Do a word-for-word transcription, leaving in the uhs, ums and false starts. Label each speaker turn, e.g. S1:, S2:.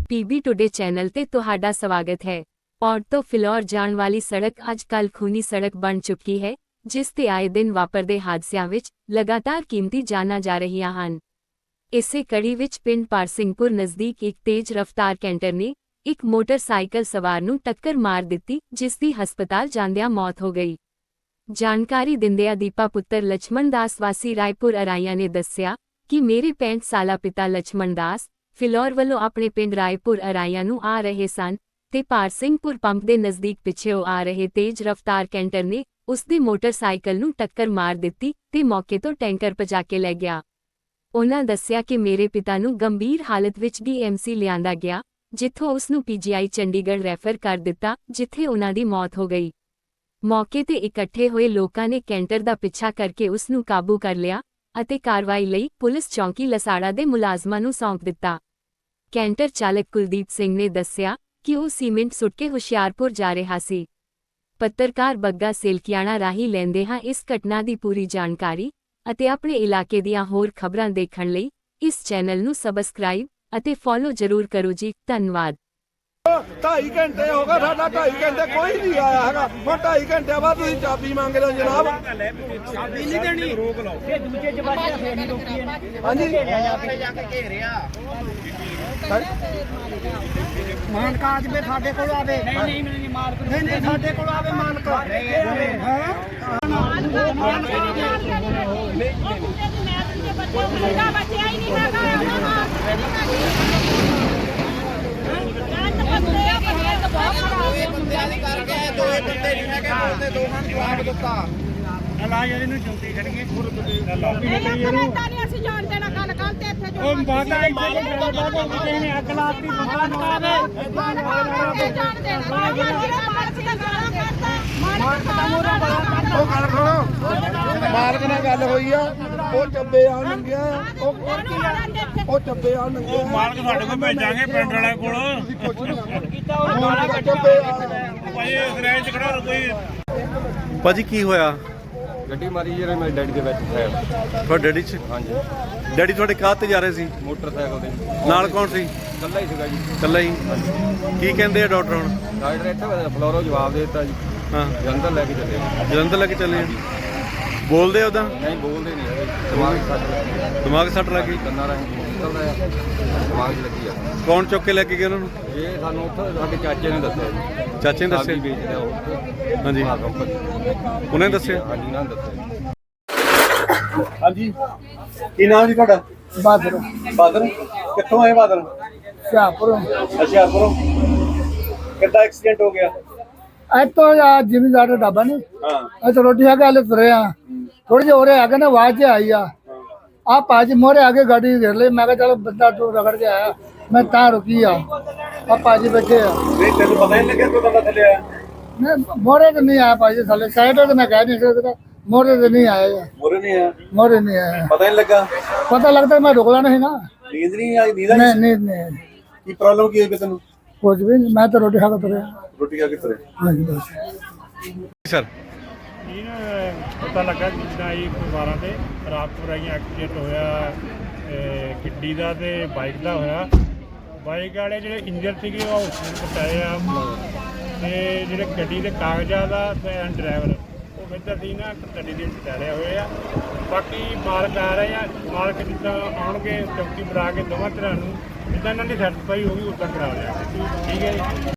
S1: PB today channel ਤੇ ਤੁਹਾਡਾ ਸਵਾਗਤ ਹੈ। ਪੌਂਟ ਤੋਂ ਫਿਲੌਰ ਜਾਣ ਵਾਲੀ ਸੜਕ ਅੱਜ ਕੱਲ੍ਹ ਖੂਨੀ ਸੜਕ ਬਣ ਚੁੱਕੀ ਹੈ, ਜਿਸ ਤੇ ਆਏ ਦਿਨ ਵਾਪਰਦੇ ਹਾਦਸਿਆਂ ਵਿੱਚ ਲਗਾਤਾਰ ਕੀਮਤੀ ਜਾਨਾਂ ਜਾ ਰਹੀਆਂ ਹਨ। ਇਸੇ ਕੜੀ ਵਿੱਚ ਪਿੰਡ ਪਾਰਸਿੰਘਪੁਰ ਨਜ਼ਦੀਕ ਇੱਕ ਤੇਜ਼ ਰਫ਼ਤਾਰ ਕੈਂਟਰ ਨੇ ਇੱਕ ਮੋਟਰਸਾਈਕਲ ਸਵਾਰ ਨੂੰ ਟੱਕਰ ਮਾਰ ਦਿੱਤੀ, ਜਿਸ ਦੀ ਹਸਪਤਾਲ ਜਾਂਦਿਆਂ ਮੌਤ ਹੋ ਗਈ। ਜਾਣਕਾਰੀ ਦਿੰਦਿਆਂ ਦੀਪਾ ਪੁੱਤਰ ਲਛਮਣ ਦਾਸ ਵਾਸੀ ਰਾਏਪੁਰ ਅਰਾਈਆਂ ਨੇ ਦੱਸਿਆ ਕਿ ਮੇਰੇ ਪੈਂਹਠ ਸਾਲਾ ਪਿਤਾ ਲਛਮਣ ਦਾਸ ਫਿਲੌਰ ਵੱਲੋਂ ਆਪਣੇ ਪਿੰਡ ਰਾਏਪੁਰ ਅਰਾਈਆਂ ਨੂੰ ਆ ਰਹੇ ਸਨ ਤੇ ਪਾਰਸਿੰਘਪੁਰ ਪੰਪ ਦੇ ਨਜ਼ਦੀਕ ਪਿੱਛੇੋਂ ਆ ਰਹੇ ਤੇਜ਼ ਰਫ਼ਤਾਰ ਕੈਂਟਰ ਨੇ ਉਸ ਦੇ ਮੋਟਰਸਾਈਕਲ ਨੂੰ ਟੱਕਰ ਮਾਰ ਦਿੱਤੀ ਤੇ ਮੌਕੇ ਤੋਂ ਟੈਂਕਰ ਭਜਾ ਕੇ ਲੈ ਗਿਆ। ਉਨ੍ਹਾਂ ਦੱਸਿਆ ਕਿ ਮੇਰੇ ਪਿਤਾ ਨੂੰ ਗੰਭੀਰ ਹਾਲਤ ਵਿੱਚ ਡੀ ਐਮ ਸੀ ਲਿਆਂਦਾ ਗਿਆ, ਜਿੱਥੋਂ ਉਸ ਨੂੰ ਪੀ ਜੀ ਆਈ ਚੰਡੀਗੜ੍ਹ ਰੈਫਰ ਕਰ ਦਿੱਤਾ, ਜਿੱਥੇ ਉਨ੍ਹਾਂ ਦੀ ਮੌਤ ਹੋ ਗਈ। ਮੌਕੇ ਤੇ ਇਕੱਠੇ ਹੋਏ ਲੋਕਾਂ ਨੇ ਕੈਂਟਰ ਦਾ ਪਿੱਛਾ ਕਰਕੇ ਉਸ ਨੂੰ ਕਾਬੂ ਕਰ ਲਿਆ ਅਤੇ ਕਾਰਵਾਈ ਲਈ ਪੁਲਿਸ ਚੌਂਕੀ ਲਸਾੜਾ ਦੇ ਮੁਲਾਜ਼ਮਾਂ ਨੂੰ ਸੌਂਪ ਦਿੱਤਾ। ਕੈਂਟਰ ਚਾਲਕ ਕੁਲਦੀਪ ਸਿੰਘ ਨੇ ਦੱਸਿਆ ਕਿ ਉਹ ਸੀਮੈਂਟ ਸੁੱਟ ਕੇ ਹੁਸ਼ਿਆਰਪੁਰ ਜਾ ਰਿਹਾ ਸੀ। ਪੱਤਰਕਾਰ ਬੱਗਾ ਸੇਲਕੀਆਣਾ ਰਾਹੀਂ ਲੈਂਦੇ ਹਾਂ ਇਸ ਘਟਨਾ ਦੀ ਪੂਰੀ ਜਾਣਕਾਰੀ ਅਤੇ ਆਪਣੇ ਇਲਾਕੇ ਦੀਆਂ ਹੋਰ ਖਬਰਾਂ ਦੇਖਣ ਲਈ ਇਸ ਚੈਨਲ ਨੂੰ ਸਬਸਕ੍ਰਾਈਬ ਅਤੇ ਫੋਲੋ ਜ਼ਰੂਰ ਕਰੋ ਜੀ। ਧੰਨਵਾਦ।
S2: ਢਾਈ ਘੰਟੇ ਹੋ ਗਏ, ਸਾਡਾ ਢਾਈ ਘੰਟੇ ਕੋਈ ਨਹੀਂ ਆਇਆ ਹੈਗਾ। ਹੁਣ ਢਾਈ ਘੰਟੇ ਬਾਅਦ ਤੁਸੀਂ ਚਾਬੀ ਮੰਗ ਰਹੇ ਹੋ ਜਨਾਬ।
S3: ਚਾਬੀ ਨਹੀਂ ਦੇਣੀ, ਰੋਕ ਲਓ। ਇਹ ਦੂਜੇ ਜਵਾਬ ਫੇਰ ਨਹੀਂ ਰੋਕੀ
S2: ਹਾਂਜੀ
S3: ਆਪੇ ਜਾ ਕੇ ਘੇਰਿਆ ਮਾਨਕ ਅੱਜ ਵੀ ਸਾਡੇ ਕੋਲ ਆਵੇ। ਨਹੀਂ ਨਹੀਂ ਨਹੀਂ ਮਾਲਕ ਨਹੀਂ ਨਹੀਂ ਸਾਡੇ ਕੋਲ ਆਵੇ ਮਾਨਕ। ਹਾਂ ਮਾਨਕ ਮੁੰਡਾ ਬੱਚਿਆ ਹੀ ਨਹੀਂ ਹੈਗਾ। ਦੋਏ ਬੰਦਿਆਂ ਦੀ ਕਰਕੇ ਦੋਏ ਬੰਦੇ ਨਹੀਂ ਹੈਗੇ, ਬੋਲਦੇ ਦੋਹਾਂ ਨੂੰ ਜਵਾਬ ਦਿੱਤਾ। ਲਾ ਯਾਰ ਇਹਨੂੰ ਚੌਂਕੀ ਖੜੀਏ ਅਸੀਂ ਜਾਣ ਦੇਣਾ ਗੱਲ ਕੱਲ ਤੇ ਇੱਥੇ ਜੋ ਉਹ ਬਾਦਾ ਇੱਥੇ ਨੇ ਅੱਗ ਲਾਤੀ ਦੁਕਾਨ ਕਰਾਵੇ ਜਾਣ ਦੇਣਾ ਮਾਲਕ ਦਾ ਗਾਲਾਂ ਕੱਢਦਾ। ਮਾਲਕ ਦਾ ਮੋਰਾ ਬੜਾ
S2: ਉਹ ਗੱਲ ਸੁਣੋ, ਮਾਲਕ ਨਾਲ ਗੱਲ ਹੋਈ ਆ, ਉਹ ਚੱਬੇ ਆ ਨੰਗਿਆ, ਉਹ ਉਹ ਚੱਬੇ ਆ ਨੰਗਿਆ।
S4: ਮਾਲਕ ਸਾਡੇ ਕੋਲ ਭੇਜਾਂਗੇ ਪਿੰਡ ਵਾਲਿਆਂ ਕੋਲ।
S2: ਤੁਸੀਂ ਕੁਛ ਨਹੀਂ ਕੀਤਾ, ਉਹ ਮਾਲਕ ਚੱਬੇ ਆ
S4: ਭਾਈ ਇਸ ਰੇਂਜ ਚ ਖੜਾ ਕੋਈ।
S5: ਭਾਜੀ ਕੀ ਹੋਇਆ?
S6: ਗੱਡੀ ਮਾਰੀ ਜਿਹੜੇ ਮੇਰੇ ਡੈਡੀ ਦੇ ਵਿੱਚ ਸਾਈਡ।
S5: ਤੁਹਾਡੇ ਡੈਡੀ ਚ?
S6: ਹਾਂਜੀ।
S5: ਡੈਡੀ ਤੁਹਾਡੇ ਕਾਹ ਤੇ ਜਾ ਰਹੇ ਸੀ?
S6: ਮੋਟਰਸਾਈਕਲ ਤੇ।
S5: ਨਾਲ ਕੌਣ ਸੀ?
S6: ਇਕੱਲਾ ਹੀ ਸੀਗਾ ਜੀ।
S5: ਇਕੱਲਾ ਹੀ? ਕੀ ਕਹਿੰਦੇ ਆ ਡਾਕਟਰ ਹੁਣ?
S6: ਡਾਕਟਰ ਇੱਥੇ ਫਲੋਰੋ ਜਵਾਬ ਦੇ ਦਿੱਤਾ ਜੀ।
S5: ਹਾਂ,
S6: ਜਲੰਧਰ ਲੈ ਕੇ ਚੱਲੇ।
S5: ਜਲੰਧਰ ਲੈ ਕੇ ਚੱਲੇ? ਬੋਲਦੇ ਉਹਦਾ?
S6: ਨਹੀਂ ਬੋਲਦੇ ਨਹੀਂ ਹੈਗੇ, ਦਿਮਾਗ ਸੱਟ ਲੱਗੀ।
S5: ਦਿਮਾਗ ਸੱਟ ਲੱਗੀ?
S6: ਕੰਨਾਂ ਰਾਹੀਂ ਨਿਕਲਦਾ ਆ, ਦਿਮਾਗ 'ਚ ਲੱਗੀ ਆ।
S5: ਕੌਣ ਚੁੱਕ ਕੇ ਲੈ ਕੇ ਗਏ ਉਹਨਾਂ ਨੂੰ?
S6: ਇਹ ਸਾਨੂੰ ਉੱਥੇ ਸਾਡੇ ਚਾਚੇ ਨੇ ਦੱਸਿਆ ਜੀ।
S5: ਚਾਚੇ ਨੇ ਦੱਸਿਆ?
S6: ਸਾਬੀ ਵੇਚਦੇ ਆ ਉਹ।
S5: ਹਾਂਜੀ,
S6: ਹਾਂ ਕੰਪਨੀ
S5: ਉਹਨੇ ਦੱਸਿਆ?
S6: ਹਾਂਜੀ ਉਹਨਾਂ ਨੇ ਦੱਸਿਆ।
S5: ਹਾਂਜੀ, ਕੀ ਨਾਮ ਜੀ ਤੁਹਾਡਾ?
S2: ਬਾਦਰ
S5: ਬਾਦਲ। ਕਿੱਥੋਂ ਆਏ ਬਾਦਲ?
S2: ਸ਼ਾਹਪੁਰ
S5: ਹੁਸ਼ਿਆਰਪੁਰੋਂ। ਕਿੱਦਾਂ ਐਕਸੀਡੈਂਟ ਹੋ ਗਿਆ?
S2: ਇੱਥੋਂ ਆ ਜ਼ਿਮੀਂਦਾਰ ਦਾ ਢਾਬਾ ਨਹੀਂ,
S5: ਹਾਂ,
S2: ਇੱਥੇ ਰੋਟੀ ਖਾ ਕੇ ਹਲੇ ਤੁਰੇ ਆ। ਥੋੜੀ ਜਿਹੀ ਹੋਰੇ ਆ ਕੇ ਨਾ ਆਵਾਜ਼ ਆਈ ਆ ਆ ਭਾਜੀ ਮੋਰੇ ਆ ਕੇ ਗੱਡੀ ਘੇਰ ਲਈ। ਮੈਂ ਕਿਹਾ ਚਲ ਬੰਦਾ ਤੂੰ ਰਗੜ ਕੇ ਆਇਆ, ਮੈਂ ਤਾਂ ਰੁਕੀ ਆ। ਆ ਭਾਜੀ ਬੈਠੇ ਆ।
S5: ਨਹੀਂ ਤੈਨੂੰ ਪਤਾ ਹੀ ਨਹੀਂ ਲੱਗਿਆ ਕੋਈ ਬੰਦਾ ਥੱਲੇ ਆਇਆ?
S2: ਨਹੀਂ ਮੋਰੇ ਤੇ ਨਹੀਂ ਆਇਆ ਭਾਜੀ, ਥੱਲੇ ਸਾਈਡ ਤੇ ਮੈਂ ਕਹਿ ਨਹੀਂ ਸਕਦਾ, ਮੋਰੇ ਤੇ ਨਹੀਂ ਆਇਆ।
S5: ਮੋਰੇ ਨਹੀਂ ਆਇਆ?
S2: ਮੋਰੇ ਨਹੀਂ ਆਇਆ।
S5: ਪਤਾ ਹੀ ਨਹੀਂ ਲੱਗਾ?
S2: ਪਤਾ ਲੱਗਦਾ ਮੈਂ ਰੁਕਲਾ ਨਹੀਂ ਨਾ।
S5: ਨੀਂਦ ਨਹੀਂ ਆਈ? ਨੀਂਦ
S2: ਨਹੀਂ
S5: ਆਈ?
S2: ਨਹੀਂ ਨਹੀਂ
S5: ਕੀ ਪ੍ਰੋਬਲਮ ਕੀ ਹੋਈ ਤੈਨੂੰ?
S2: ਕੁਝ ਵੀ ਨਹੀਂ, ਮੈਂ ਤਾਂ ਰੋਟੀ ਖਾ ਕੇ ਤੁਰਿਆ।
S5: ਰੋਟੀ ਖਾ ਕੇ ਤੁਰੇ?
S2: ਹਾਂਜੀ ਬਸ।
S5: ਸਰ
S4: ਇਹ ਪਤਾ ਲੱਗਾ ਜਿੱਦਾਂ ਇਹ ਪਰਿਵਾਰਾਂ ਤੇ ਰਾਤਪੁਰ ਆਈਆਂ ਐਕਸੀਡੈਂਟ ਹੋਇਆ ਗੱਡੀ ਦਾ ਤੇ ਬਾਈਕ ਦਾ ਹੋਇਆ। ਬਾਈਕ ਵਾਲੇ ਜਿਹੜੇ ਇੰਜਰ ਸੀਗੇ ਉਹ ਹਸਪਤਾਲ ਪਹੁੰਚਾਏ ਆ, ਤੇ ਜਿਹੜੇ ਗੱਡੀ ਦੇ ਕਾਗਜ਼ਾਂ ਦਾ ਤੇ ਡਰਾਈਵਰ ਉਹ ਇੱਧਰ ਦੀ ਨਾ ਗੱਡੀ ਦੇ ਟਾਰੇ ਹੋਏ ਆ। ਬਾਕੀ ਮਾਲਕ ਆ ਰਹੇ ਆ, ਮਾਲਕ ਜਿੱਦਾਂ ਆਉਣਗੇ ਚੌਕੀ ਬਣਾ ਕੇ ਦੋਵਾਂ ਤਰ੍ਹਾਂ ਨੂੰ ਜਿੱਦਾਂ ਇਹਨਾਂ ਦੀ ਸੈਟੀਸਫਾਈ ਹੋਊਗੀ ਉੱਦਾਂ ਕਰਾ ਲਿਆ। ਠੀਕ ਹੈ ਜੀ।